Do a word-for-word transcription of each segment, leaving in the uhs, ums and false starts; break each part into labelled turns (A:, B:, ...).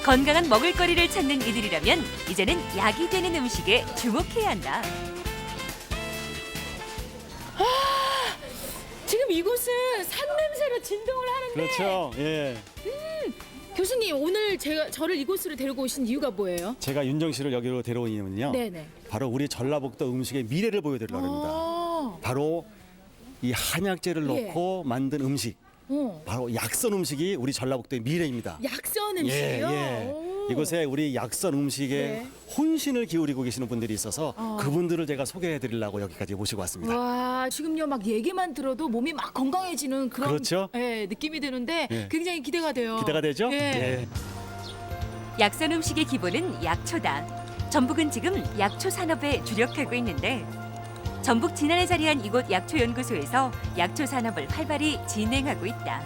A: 건강한 먹을거리를 찾는 이들이라면 이제는 약이 되는 음식에 주목해야 한다.
B: 지금 이곳은 산 냄새로 진동을 하는데
C: 그렇죠. 예.
B: 교수님 오늘 제가 저를 이곳으로 데리고 오신 이유가 뭐예요?
C: 제가 윤정 씨를 여기로 데려온 이유는요.
B: 네네.
C: 바로 우리 전라북도 음식의 미래를 보여드리려고 합니다.
B: 아,
C: 바로 이 한약재를
B: 예.
C: 넣고 만든 음식,
B: 어.
C: 바로 약선 음식이 우리 전라북도의 미래입니다.
B: 약선
C: 예,
B: 음식이요?
C: 예.
B: 오.
C: 이곳에 우리 약선 음식에
B: 네.
C: 혼신을 기울이고 계시는 분들이 있어서
B: 어.
C: 그분들을 제가 소개해드리려고 여기까지 모시고 왔습니다.
B: 와 지금요 막 얘기만 들어도 몸이 막 건강해지는 그런
C: 그렇죠?
B: 예, 느낌이 드는데
C: 예.
B: 굉장히 기대가 돼요.
C: 기대가 되죠?
B: 예.
A: 약선 음식의 기본은 약초다. 전북은 지금 약초 산업에 주력하고 있는데 전북 진안에 자리한 이곳 약초연구소에서 약초 산업을 활발히 진행하고 있다.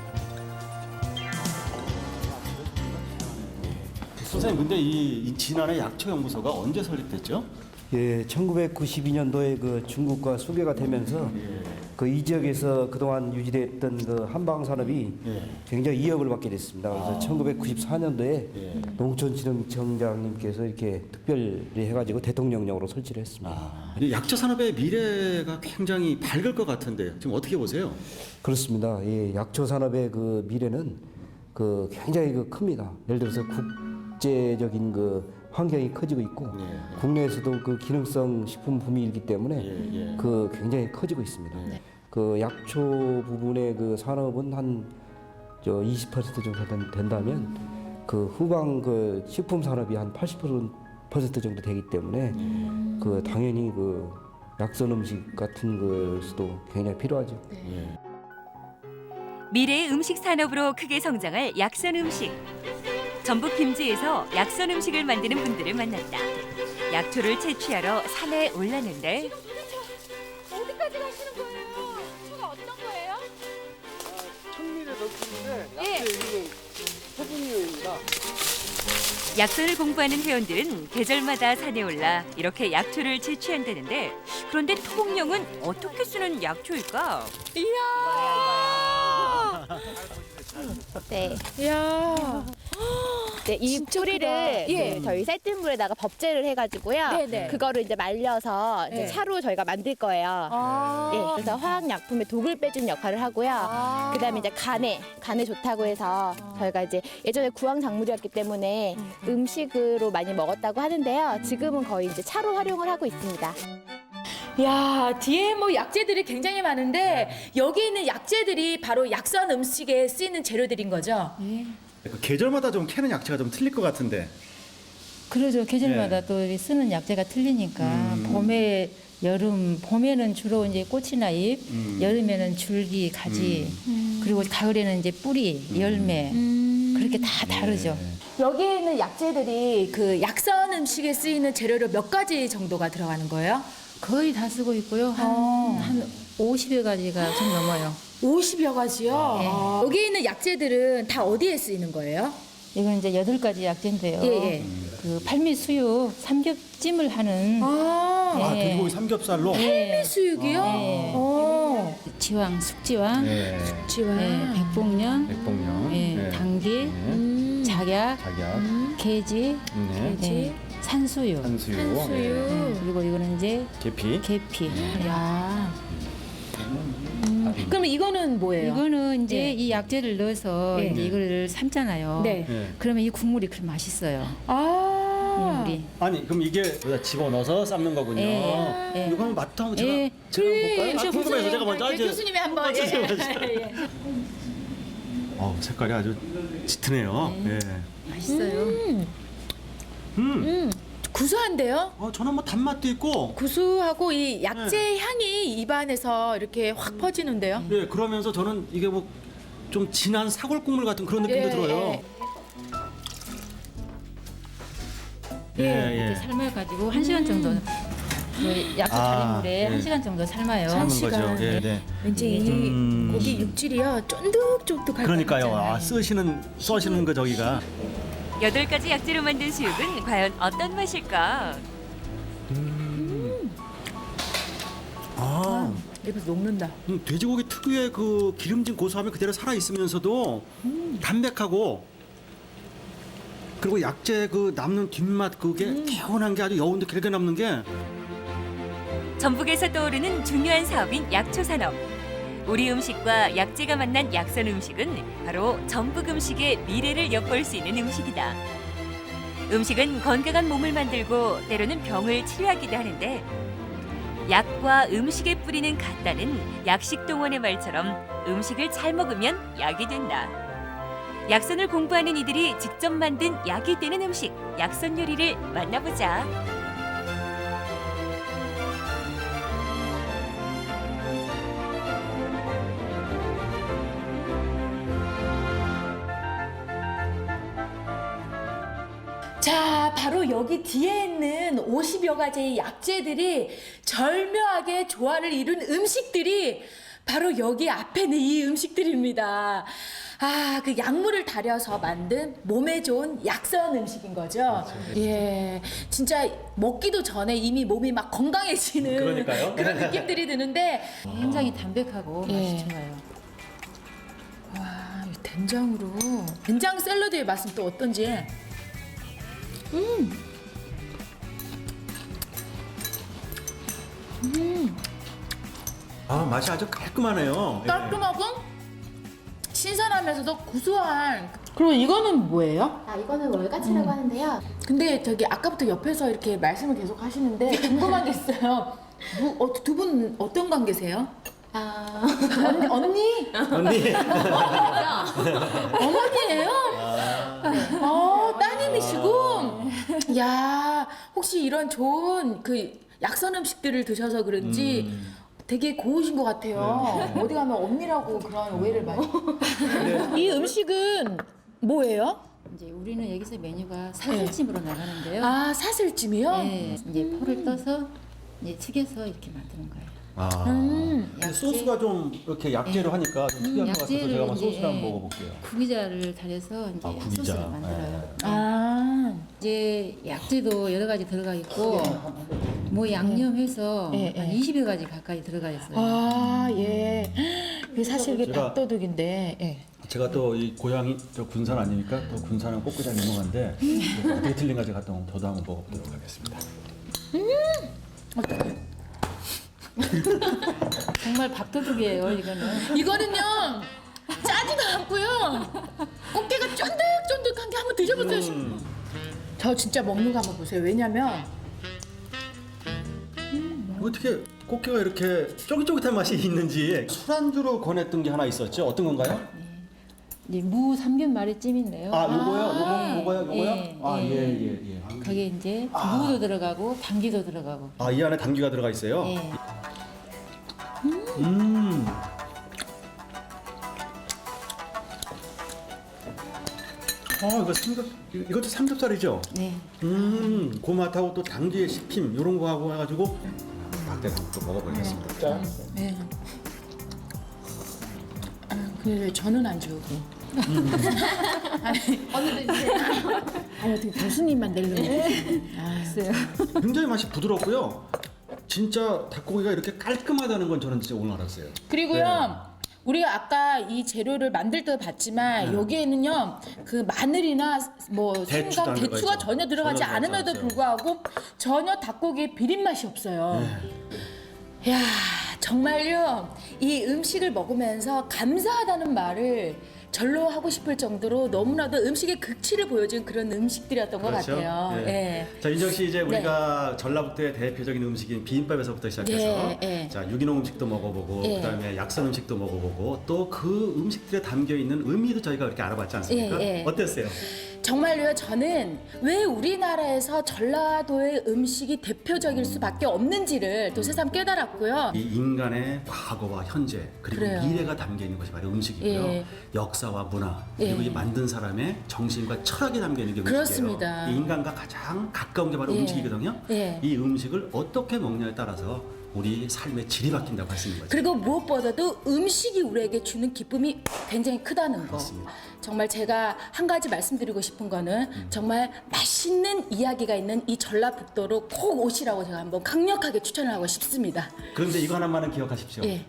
C: 선생님, 근데 이, 이 진안의 약초연구소가 언제 설립됐죠?
D: 예, 천구백구십이 년도에 그 중국과 수교가 되면서 그 이 지역에서 그동안 유지됐던 그 한방 산업이
C: 예.
D: 굉장히 위협을 받게 됐습니다. 그래서 천구백구십사 년도에
C: 예.
D: 농촌진흥청장님께서 이렇게 특별히 해가지고 대통령령으로 설치를 했습니다.
C: 아, 이 약초 산업의 미래가 굉장히 밝을 것 같은데 지금 어떻게 보세요?
D: 그렇습니다. 예, 약초 산업의 그 미래는 그 굉장히 그 큽니다. 예를 들어서 국제적인 그 환경이 커지고 있고
C: 예.
D: 국내에서도 그 기능성 식품 붐이기 때문에
C: 예, 예.
D: 그 굉장히 커지고 있습니다.
C: 네.
D: 그 약초 부분의 그 산업은 한 저 이십 퍼센트 정도 된- 된다면 그 후방 그 식품 산업이 한 팔십 퍼센트 정도 되기 때문에 그 당연히 그 약선 음식 같은 것도 굉장히 필요하죠.
C: 예.
A: 미래의 음식 산업으로 크게 성장할 약선 음식. 전북 김제에서 약선 음식을 만드는 분들을 만났다. 약초를 채취하러 산에 올랐는데
B: 어디까지 가시는 거예요? 약초가 어떤 거예요?
E: 천밀에 넣기인데
B: 예.
E: 약재 여기는 소분류입니다.
A: 약선을 공부하는 회원들은 계절마다 산에 올라 이렇게 약초를 채취한다는데 그런데 통영은 어떻게 쓰는 약초일까?
B: 이야.
F: 네.
B: 이야.
F: 네, 이
B: 진짜
F: 뿌리를
B: 크다. 예.
F: 그 저희 쌀뜨물에다가 법제를 해가지고요.
B: 네네.
F: 그거를 이제 말려서 이제
B: 네.
F: 차로 저희가 만들 거예요.
B: 아.
F: 네, 그래서 화학약품의 독을 빼주는 역할을 하고요.
B: 아.
F: 그다음에 이제 간에 간에 좋다고 해서 저희가 이제 예전에 구황 작물이었기 때문에 음식으로 많이 먹었다고 하는데요. 지금은 거의 이제 차로 활용을 하고 있습니다.
B: 야 뒤에 뭐 약재들이 굉장히 많은데 여기 있는 약재들이 바로 약선 음식에 쓰이는 재료들인 거죠?
C: 그 계절마다 좀 캐는 약재가 좀 틀릴 것 같은데.
G: 그러죠. 계절마다
C: 예.
G: 또 이 쓰는 약재가 틀리니까
C: 음.
G: 봄에 여름 봄에는 주로 이제 꽃이나 잎,
C: 음.
G: 여름에는 줄기, 가지, 그리고 가을에는 이제 뿌리, 열매 그렇게 다 다르죠.
B: 여기에 있는 약재들이 그 약선 음식에 쓰이는 재료로 몇 가지 정도가 들어가는 거예요?
G: 거의 다 쓰고 있고요. 한,
B: 어.
G: 한 오십여 가지가 좀 넘어요.
B: 오십여 가지요?
G: 네.
B: 아. 여기 있는 약재들은 다 어디에 쓰이는 거예요?
G: 이건 이제 여덟 가지 약재인데요.
B: 예, 예.
G: 그 팔미수육 삼겹찜을 하는
B: 아,
C: 아,
G: 예.
C: 돼지고기 삼겹살로.
G: 예,
B: 수육이요?
G: 네.
B: 어.
G: 지왕, 숙지왕,
C: 네.
B: 지와.
G: 예, 백봉령,
C: 백봉령.
G: 예,
C: 네.
G: 당귀,
C: 네.
B: 음.
G: 작약,
C: 자기야.
G: 게지,
C: 네.
G: 네, 산수유.
C: 한수유.
B: 한수유.
G: 네, 그리고 이거는 이제
C: 계피.
G: 계피.
B: 야. 음. 그럼 이거는 뭐예요?
G: 이거는 이제
B: 예.
G: 이 약재를 넣어서
B: 예.
G: 이제 이거를 삶잖아요.
B: 네.
C: 네.
G: 그러면 이 국물이 그렇게 맛있어요.
B: 아.
G: 국물이.
C: 아니 그럼 이게 여기다 집어넣어서 삶는 거군요.
G: 예, 예.
C: 이거 한번 맛도 한번 제가
G: 예.
C: 제가
B: 예,
C: 볼까요? 아,
B: 저
C: 궁금해서
B: 교수님,
C: 제가 먼저
B: 예,
C: 이제
B: 교수님이 한번
C: 먼저
B: 예.
C: 제가 먼저.
B: 예.
C: 어 색깔이 아주 짙으네요. 예.
G: 맛있어요.
C: 음.
B: 음. 구수한데요?
C: 어 저는 뭐 단맛도 있고.
B: 구수하고 이 약재 향이 입안에서 이렇게 확 퍼지는데요.
C: 예 그러면서 저는 이게 뭐 좀 진한 사골 국물 같은 그런 느낌도
B: 예,
C: 들어요.
B: 예.
C: 예,
G: 이렇게 삶아가지고 한 시간 정도 그 약초
C: 아,
G: 다리물에
C: 예.
G: 한 시간 정도 삶아요.
B: 한
C: 삶은
B: 시간.
C: 거죠. 예, 네.
B: 왠지 이
C: 음.
B: 고기 육질이요 쫀득쫀득할
C: 그러니까요.
B: 것 같잖아요.
C: 아, 쓰시는 써시는 거 저기가.
A: 여덟 가지 약재로 만든 수육은 과연 어떤 맛일까?
C: 아,
B: 입에서 녹는다.
C: 음, 돼지고기 특유의 그 기름진 고소함이 그대로 살아 있으면서도 담백하고 그리고 약재 그 남는 뒷맛 그게 개운한 게 아주 여운도 길게 남는 게
A: 전북에서 떠오르는 중요한 사업인 약초 산업. 우리 음식과 약재가 만난 약선 음식은 바로 전북 음식의 미래를 엿볼 수 있는 음식이다. 음식은 건강한 몸을 만들고 때로는 병을 치료하기도 하는데 약과 음식에 뿌리는 같다는 약식동원의 말처럼 음식을 잘 먹으면 약이 된다. 약선을 공부하는 이들이 직접 만든 약이 되는 음식, 약선 요리를 만나보자.
B: 자, 바로 여기 뒤에 있는 오십여 가지의 약재들이 절묘하게 조화를 이룬 음식들이 바로 여기 앞에 있는 이 음식들입니다. 아, 그 약물을 달여서 만든 몸에 좋은 약선 음식인 거죠. 예, 진짜 먹기도 전에 이미 몸이 막 건강해지는
C: 그러니까요.
B: 그런 느낌들이 드는데,
G: 굉장히 담백하고
B: 예.
G: 맛이 좋아요.
B: 와, 이 된장으로 된장 샐러드의 맛은 또 어떤지.
C: 아 맛이 아주 깔끔하네요.
B: 깔끔하고 신선하면서도 구수한. 그리고 이거는 뭐예요?
F: 아, 이거는 월가치라고 하는데요.
B: 근데 저기 아까부터 옆에서 이렇게 말씀을 계속 하시는데 궁금한 게 있어요. 뭐, 어, 두 분 어떤 관계세요?
F: 아,
B: 언니? 언니?
C: 언니.
B: 어머니예요? 어, 따님이시고. 야, 혹시 이런 좋은 그 약선 음식들을 드셔서 그런지 되게 고우신 것 같아요. 어디 가면 언니라고 그런 오해를 많이. 이 음식은 뭐예요?
G: 이제 우리는 여기서 메뉴가 사슬찜으로 나가는데요.
B: 아, 사슬찜이요?
G: 네, 이제 포를 떠서 이제 튀겨서 이렇게 만드는 거예요.
C: 아.
B: 음.
C: 근데 소스가 좀 이렇게 약재로 하니까 좀 특이한 것 같아서
G: 약재를
C: 제가 한번
G: 이제,
C: 소스를 한번
G: 예,
C: 먹어볼게요.
G: 구기자를 달여서 이제
C: 아, 구기자.
G: 소스를 만들어요.
B: 아,
G: 이제 약재도 여러 가지 들어가 있고 뭐 양념해서
B: 예, 예.
G: 한 이십여 가지 가까이 들어가 있어요.
B: 아, 예. 이게 사실 이게
C: 제가-
B: 밥도둑인데, 예.
C: 제가 또 이 고향이 저 군산 아닙니까? 또 군산은 꽃게장 유명한데 어떻게 틀린가지 갔다 오면 저도 한번 먹어보도록 하겠습니다.
G: 정말 밥도둑이에요, 이거는.
B: 이거는요, 짜지도 않고요. 꽃게가 쫀득쫀득한 게 한번 드셔보세요.
C: 음.
B: 저 진짜 먹는 거 한번 보세요. 왜냐면,
C: 어떻게 꽃게가 이렇게 쫄깃쫄깃한 맛이 있는지 술안주로 권했던 게 하나 있었죠? 어떤 건가요?
G: 이제 무 삼겹 마리찜인데요.
C: 아, 요거요? 요거, 요거요? 요거요?
G: 예,
C: 아,
G: 예.
C: 예, 예, 예.
G: 거기에 이제 무도 들어가고 당귀도 들어가고.
C: 아, 이 안에 당귀가 들어가 있어요?
G: 예.
C: 음. 아, 이거 삼겹, 이- 이것도 삼겹살이죠?
G: 네.
C: 음, 그 맛하고 또 당귀의 씹힘 이런 거 하고 해가지고 막대를 한번 또 먹어보겠습니다. 짠.
B: 네. 아, 그래, 저는 안 주고. 아니, 언니도 주세요. 아니, 어떻게 교수님만 내려놓고. 아,
C: 굉장히 맛이 부드럽고요. 진짜 닭고기가 이렇게 깔끔하다는 건 저는 진짜 오늘 알았어요.
B: 그리고요, 우리가 아까 이 재료를 만들 때 봤지만 여기에는요 그 마늘이나 뭐
C: 대추도
B: 생강,
C: 안 들어가
B: 대추가
C: 있죠.
B: 전혀 들어가지
C: 전혀 들어가지
B: 않음에도
C: 않죠.
B: 불구하고 전혀 닭고기에 비린 맛이 없어요. 야, 정말요 이 음식을 먹으면서 감사하다는 말을 절로 하고 싶을 정도로 너무나도 음식의 극치를 보여준 그런 음식들이었던 것 같아요.
C: 네.
B: 예.
C: 자, 인정 씨 이제 우리가 전라북도의 대표적인 음식인 비빔밥에서부터 시작해서
B: 예, 예.
C: 자, 유기농 음식도 먹어보고
B: 예.
C: 그다음에 약선 음식도 먹어보고 또 그 음식들에 담겨 있는 의미도 저희가 이렇게 알아봤지 않습니까?
B: 예, 예.
C: 어땠어요?
B: 정말로요, 저는 왜 우리나라에서 전라도의 음식이 대표적일 수밖에 없는지를 또 새삼 깨달았고요.
C: 이 인간의 과거와 현재 그리고
B: 그래요.
C: 미래가 담겨 있는 것이 바로 음식이고요.
B: 예.
C: 역사와 문화 그리고
B: 예.
C: 이 만든 사람의 정신과 철학이 담겨 있는 게 음식이에요.
B: 그렇습니다.
C: 이 인간과 가장 가까운 게 바로
B: 예.
C: 음식이거든요.
B: 예.
C: 이 음식을 어떻게 먹냐에 따라서 우리 삶의 질이 바뀐다고 할 수 있는 거죠.
B: 그리고 무엇보다도 음식이 우리에게 주는 기쁨이 굉장히 크다는 거.
C: 그렇습니다.
B: 정말 제가 한 가지 말씀드리고 싶은 거는 정말 맛있는 이야기가 있는 이 전라북도로 꼭 오시라고 제가 한번 강력하게 추천을 하고 싶습니다.
C: 그런데 이거 하나만은 기억하십시오.
B: 예.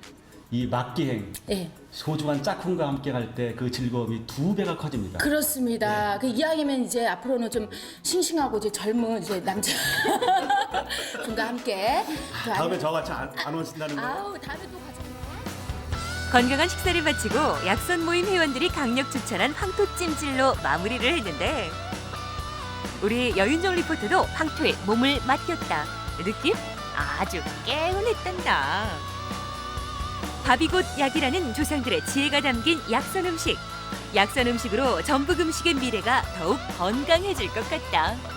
C: 이 막기행
B: 예.
C: 소중한 짝꿍과 함께 갈 때 그 즐거움이 두 배가 커집니다.
B: 그렇습니다. 그 이왕이면 이제 앞으로는 좀 싱싱하고 이제 젊은 이제 남자 분과 함께. 또
C: 다음에 저같이 안, 안 오신다는 거예요?
B: 아우 다음에 또 가자.
A: 건강한 식사를 마치고 약선 모임 회원들이 강력 추천한 황토찜질로 마무리를 했는데 우리 여윤정 리포터도 황토에 몸을 맡겼다. 느낌 아주 개운했단다. 밥이 곧 약이라는 조상들의 지혜가 담긴 약선 음식. 약선 음식으로 전북 음식의 미래가 더욱 건강해질 것 같다.